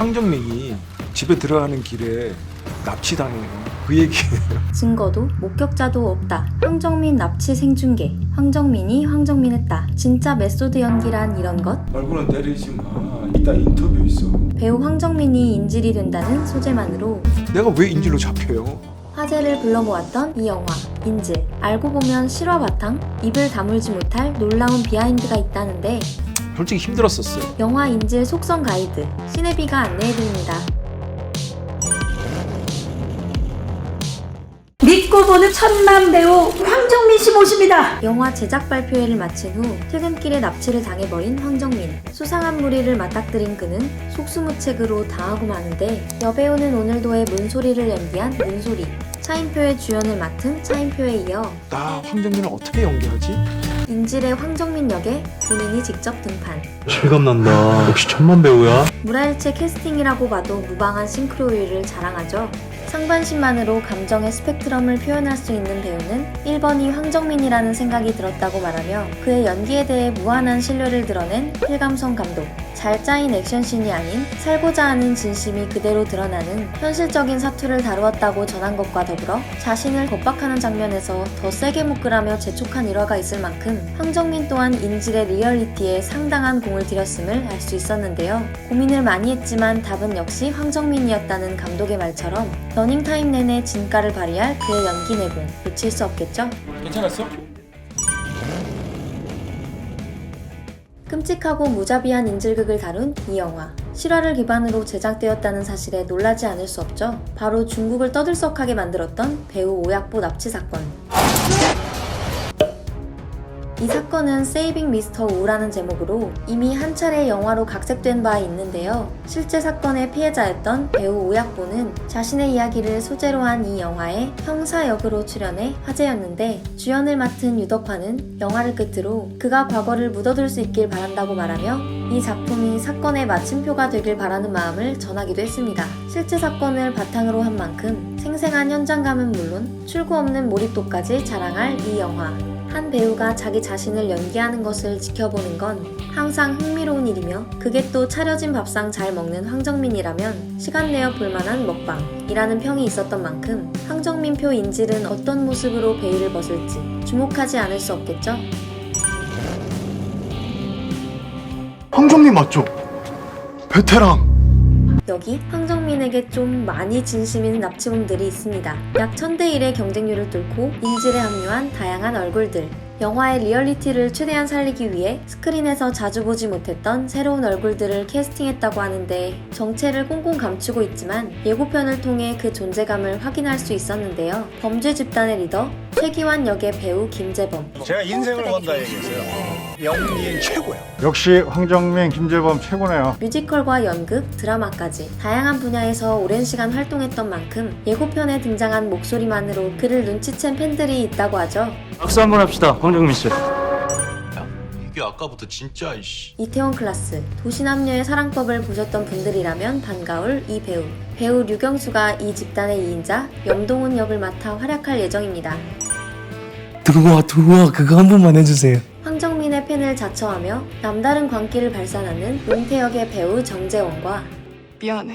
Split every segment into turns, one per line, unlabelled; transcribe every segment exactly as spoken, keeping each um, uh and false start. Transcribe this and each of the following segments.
황정민이 집에 들어가는 길에 납치당해요. 그 얘기예요.
증거도 목격자도 없다. 황정민 납치 생중계. 황정민이 황정민했다. 진짜 메소드 연기란 이런 것?
말고는 때리지 마. 이따 인터뷰 있어.
배우 황정민이 인질이 된다는 소재만으로
내가 왜 인질로 잡혀요?
화제를 불러 모았던 이 영화 인질. 알고 보면 실화 바탕? 입을 다물지 못할 놀라운 비하인드가 있다는데
솔직히 힘들었었어요.
영화 인질 속성 가이드 시네비가 안내해드립니다.
믿고 보는 천만 배우 황정민 씨 모십니다.
영화 제작 발표회를 마친 후 퇴근길에 납치를 당해버린 황정민. 수상한 무리를 맞닥뜨린 그는 속수무책으로 당하고 마는데 여배우는 오늘도의 문소리를 연기한 문소리. 차인표의 주연을 맡은 차인표에 이어
나 황정민을 어떻게 연기하지?
인질의 황정민 역에 본인이 직접 등판.
실감난다. 역시 천만 배우야.
무라일체 캐스팅이라고 봐도 무방한 싱크로율을 자랑하죠. 상반신만으로 감정의 스펙트럼을 표현할 수 있는 배우는 일 번이 황정민이라는 생각이 들었다고 말하며 그의 연기에 대해 무한한 신뢰를 드러낸 필감성 감독. 잘 짜인 액션씬이 아닌 살고자 하는 진심이 그대로 드러나는 현실적인 사투를 다루었다고 전한 것과 더불어 자신을 겁박하는 장면에서 더 세게 묶으라며 재촉한 일화가 있을 만큼 황정민 또한 인질의 리얼리티에 상당한 공을 들였음을 알 수 있었는데요. 고민을 많이 했지만 답은 역시 황정민이었다는 감독의 말처럼 러닝타임 내내 진가를 발휘할 그의 연기 내공 놓칠 수 없겠죠?
괜찮았어?
끔찍하고 무자비한 인질극을 다룬 이 영화. 실화를 기반으로 제작되었다는 사실에 놀라지 않을 수 없죠. 바로 중국을 떠들썩하게 만들었던 배우 오약보 납치 사건. 이 사건은 세이빙 미스터 우라는 제목으로 이미 한 차례 영화로 각색된 바 있는데요. 실제 사건의 피해자였던 배우 오약보는 자신의 이야기를 소재로 한 이 영화에 형사 역으로 출연해 화제였는데 주연을 맡은 유덕화는 영화를 끝으로 그가 과거를 묻어둘 수 있길 바란다고 말하며 이 작품이 사건의 마침표가 되길 바라는 마음을 전하기도 했습니다. 실제 사건을 바탕으로 한 만큼 생생한 현장감은 물론 출구 없는 몰입도까지 자랑할 이 영화. 한 배우가 자기 자신을 연기하는 것을 지켜보는 건 항상 흥미로운 일이며 그게 또 차려진 밥상 잘 먹는 황정민이라면 시간 내어 볼만한 먹방이라는 평이 있었던 만큼 황정민표 인질은 어떤 모습으로 베일을 벗을지 주목하지 않을 수 없겠죠?
황정민 맞죠? 베테랑.
여기 황정민에게 좀 많이 진심인 납치범들이 있습니다. 약 천 대 일의 경쟁률을 뚫고 인질에 합류한 다양한 얼굴들. 영화의 리얼리티를 최대한 살리기 위해 스크린에서 자주 보지 못했던 새로운 얼굴들을 캐스팅했다고 하는데 정체를 꽁꽁 감추고 있지만 예고편을 통해 그 존재감을 확인할 수 있었는데요. 범죄 집단의 리더 최기환 역의 배우 김재범.
제가 인생을 건다 얘기했어요. 연기인 최고야.
역시 황정민, 김재범 최고네요.
뮤지컬과 연극, 드라마까지 다양한 분야에서 오랜 시간 활동했던 만큼 예고편에 등장한 목소리만으로 그를 눈치챈 팬들이 있다고 하죠.
박수 한번 합시다, 황정민 씨.
이게 아까부터 진짜 이씨.
이태원 클라스, 도시남녀의 사랑법을 보셨던 분들이라면 반가울 이 배우. 배우 류경수가 이 집단의 이인자 염동훈 역을 맡아 활약할 예정입니다.
들어와 들어와 그거 한 번만 해주세요.
황정민의 팬을 자처하며 남다른 광기를 발산하는 용태 역의 배우 정재원과
미안해.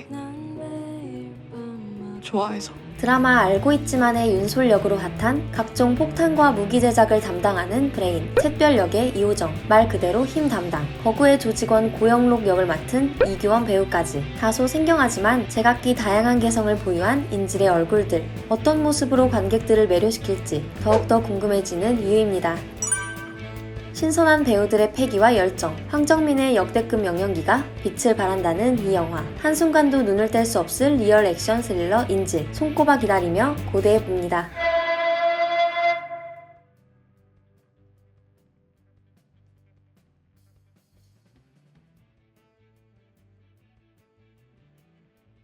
좋아해서.
드라마 알고 있지만의 윤솔 역으로 핫한 각종 폭탄과 무기 제작을 담당하는 브레인, 샛별 역의 이호정, 말 그대로 힘 담당, 거구의 조직원 고영록 역을 맡은 이규원 배우까지 다소 생경하지만 제각기 다양한 개성을 보유한 인질의 얼굴들. 어떤 모습으로 관객들을 매료시킬지 더욱더 궁금해지는 이유입니다. 신선한 배우들의 패기와 열정, 황정민의 역대급 명연기가 빛을 발한다는 이 영화. 한순간도 눈을 뗄 수 없을 리얼 액션 스릴러 인질, 손꼽아 기다리며 고대해 봅니다.